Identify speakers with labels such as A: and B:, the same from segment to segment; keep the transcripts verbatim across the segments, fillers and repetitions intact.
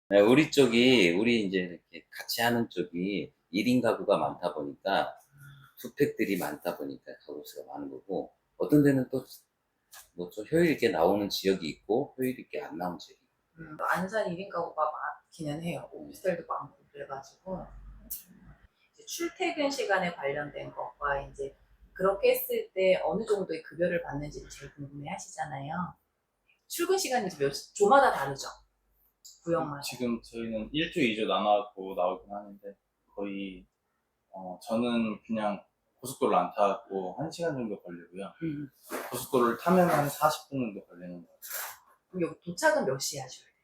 A: 네, 우리 쪽이, 우리 이제 이렇게 같이 하는 쪽이 일 인 가구가 많다 보니까, 투팩들이 많다 보니까 가구 수가 많은 거고, 어떤 데는 또, 뭐 좀 효율 있게 나오는 지역이 있고, 효율 있게 안 나오는 지역이 있고.
B: 음, 안산 일 인 가구가 많기는 해요. 오피스텔도 많고 그래가지고 이제 출퇴근 시간에 관련된 것과 이제 그렇게 했을 때 어느 정도의 급여를 받는지를 제일 궁금해 하시잖아요. 출근 시간이 이제 몇 시- 조마다 다르죠. 구역마다.
C: 지금 저희는 일 조, 이 조 나눠갖고 나오긴 하는데, 거의, 어, 저는 그냥 고속도로를 안 타고 한 시간 정도 걸리고요.
B: 음.
C: 고속도로를 타면 한 사십 분 정도 걸리는 것 같아요.
B: 그럼 여기 도착은 몇 시에 하셔야 돼요?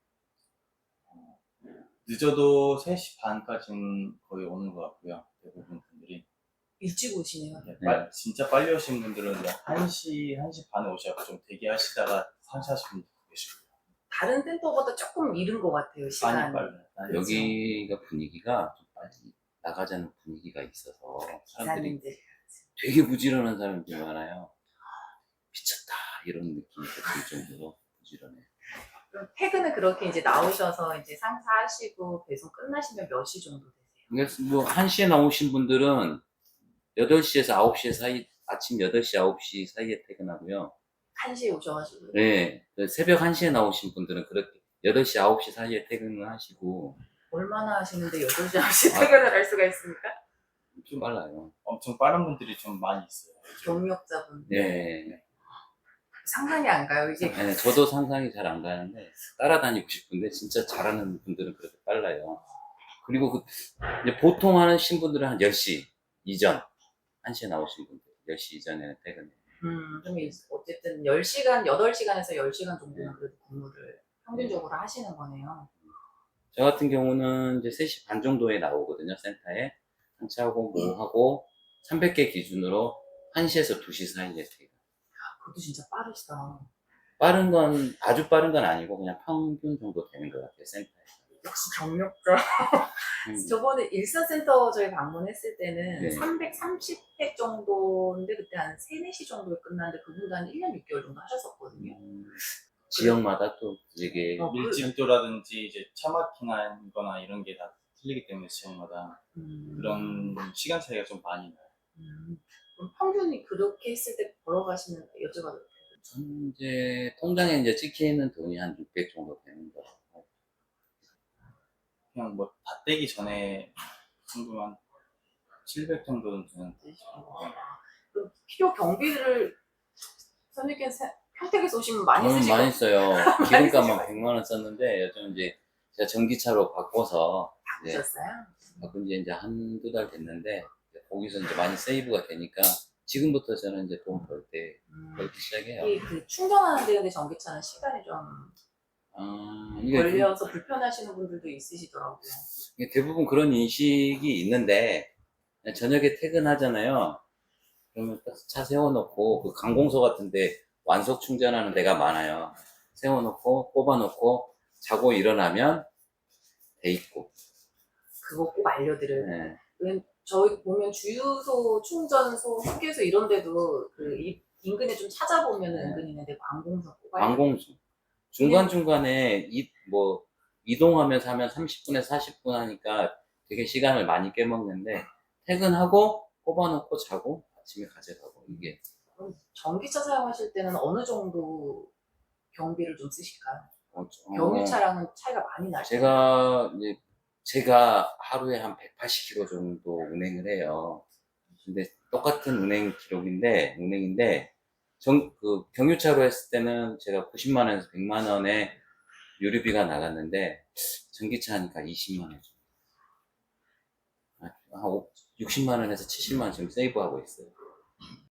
C: 늦어도 세 시 반까지는 거의 오는 것 같고요. 대부분 분들이.
B: 일찍 오시네요.
C: 네, 빨- 진짜 빨리 오신 분들은 뭐 한 시, 한 시 반에 오셔서 좀 대기하시다가 삼, 사십 분 계시고요.
B: 다른 센터보다 조금 이른 것 같아요,
C: 많이
B: 시간이.
C: 빨라요. 많이
A: 여기가 분위기가 좀 빨리 나가자는 분위기가 있어서, 사람들이
B: 기사님들.
A: 되게 부지런한 사람들이 많아요. 미쳤다, 이런 느낌이 들 정도로 부지런해.
B: 그럼 퇴근은 그렇게 이제 나오셔서 이제 상사하시고 배송 끝나시면 몇 시 정도 되세요?
A: 그래서 뭐, 한 시에 나오신 분들은 여덟 시에서 아홉 시 사이, 아침 여덟 시, 아홉 시 사이에 퇴근하고요.
B: 한 시에 오셔가지고.
A: 네. 그 새벽 한 시에 나오신 분들은 그렇게 여덟 시, 아홉 시 사이에 퇴근을 하시고,
B: 얼마나 하시는데 여덟 시, 아홉 시
A: 아.
B: 퇴근을 할 수가 있습니까?
A: 좀 빨라요.
C: 엄청 빠른 분들이 좀 많이 있어요.
B: 경력자분.
A: 네.
B: 상상이 안 가요. 이게
A: 네, 저도 상상이 잘 안 가는데, 따라다니고 싶은데, 진짜 잘하는 분들은 그렇게 빨라요. 그리고 그, 이제 보통 하신 분들은 한 열 시 이전, 한 시에 나오신 분들, 열 시 이전에는 퇴근해요.
B: 음, 좀 이- 어쨌든 열 시간, 여덟 시간에서 열 시간 정도는
A: 네.
B: 그래도 근무를 평균적으로 하시는 거네요.
A: 저 같은 경우는 이제 세 시 반 정도에 나오거든요, 센터에. 상차하고 뭐 하고, 삼백 개 기준으로 한 시에서 두 시 사이에 퇴근.
B: 그것도 진짜 빠르시다.
A: 빠른 건, 아주 빠른 건 아니고, 그냥 평균 정도 되는 것 같아요, 센터에서.
B: 역시 경력자.
A: 음.
B: 저번에 일선센터 저희 방문했을 때는
A: 네.
B: 삼백삼십 회 정도인데 그때 한 세, 네 시 정도에 끝났는데 그분도 한 일 년 육 개월 정도 하셨었거든요.
A: 음, 지역마다 또 되게,
B: 어, 그-
C: 밀집도라든지 이제 차 막히는 거나 이런 게 다 틀리기 때문에 지역마다
B: 음,
C: 그런 시간 차이가 좀 많이 나요.
B: 음, 그럼 평균이 그렇게 했을 때 벌어가시는 여쭤봐도 돼요?
A: 저는 이제, 통장에 이제 찍히는 돈이 한 육백 정도 되는 거 같고.
C: 그냥 뭐 다 떼기 전에 정도만 칠백 정도는 드는.
B: 그럼 필요 경비를 선생님께서 평택에서 오시면 많이
A: 저는
B: 쓰실
A: 많이
B: 것
A: 써요.
B: 많이
A: 기름값만
B: 쓰실
A: 백만 원 썼는데, 요즘 이제 제가 전기차로 바꿔서, 이제
B: 같으셨어요?
A: 바꾼 지 이제 한두 달 됐는데, 거기서 이제 많이 세이브가 되니까, 지금부터 저는 이제 돈 벌 때,
B: 음,
A: 벌기 시작해요.
B: 이 그 충전하는 데 근데 전기차는 시간이 좀
A: 아, 이게
B: 걸려서 불편하시는 분들도 있으시더라고요.
A: 이게 대부분 그런 인식이 있는데, 그냥 저녁에 퇴근하잖아요. 그러면 딱 차 세워놓고, 그 관공서 같은데 완속 충전하는 데가 많아요. 세워놓고, 꼽아놓고, 자고 일어나면 돼 있고.
B: 그거 꼭 알려드려요.
A: 네.
B: 왜 저희 보면 주유소, 충전소, 휴게소 이런 데도 그 이- 인근에 좀 찾아보면
A: 네.
B: 은근 있는데 관공서 꼭 알려드려요.
A: 관공서. 중간중간에 이, 뭐, 이동하면서 하면 삼십 분에 사십 분 하니까 되게 시간을 많이 깨먹는데, 퇴근하고, 꼽아놓고 자고, 아침에 가져가고, 이게.
B: 그럼 전기차 사용하실 때는 어느 정도 경비를 좀 쓰실까요?
A: 어, 저-
B: 경유차랑은 차이가 많이 나죠.
A: 제가, 이제, 제가 하루에 한 백팔십 킬로미터 정도 운행을 해요. 근데 똑같은 운행 기록인데, 운행인데, 정, 그, 경유차로 했을 때는 제가 구십만 원에서 백만 원에 유류비가 나갔는데, 전기차 하니까 이십만 원 정도. 한 육십만 원에서 칠십만 원 지금 세이브하고 있어요.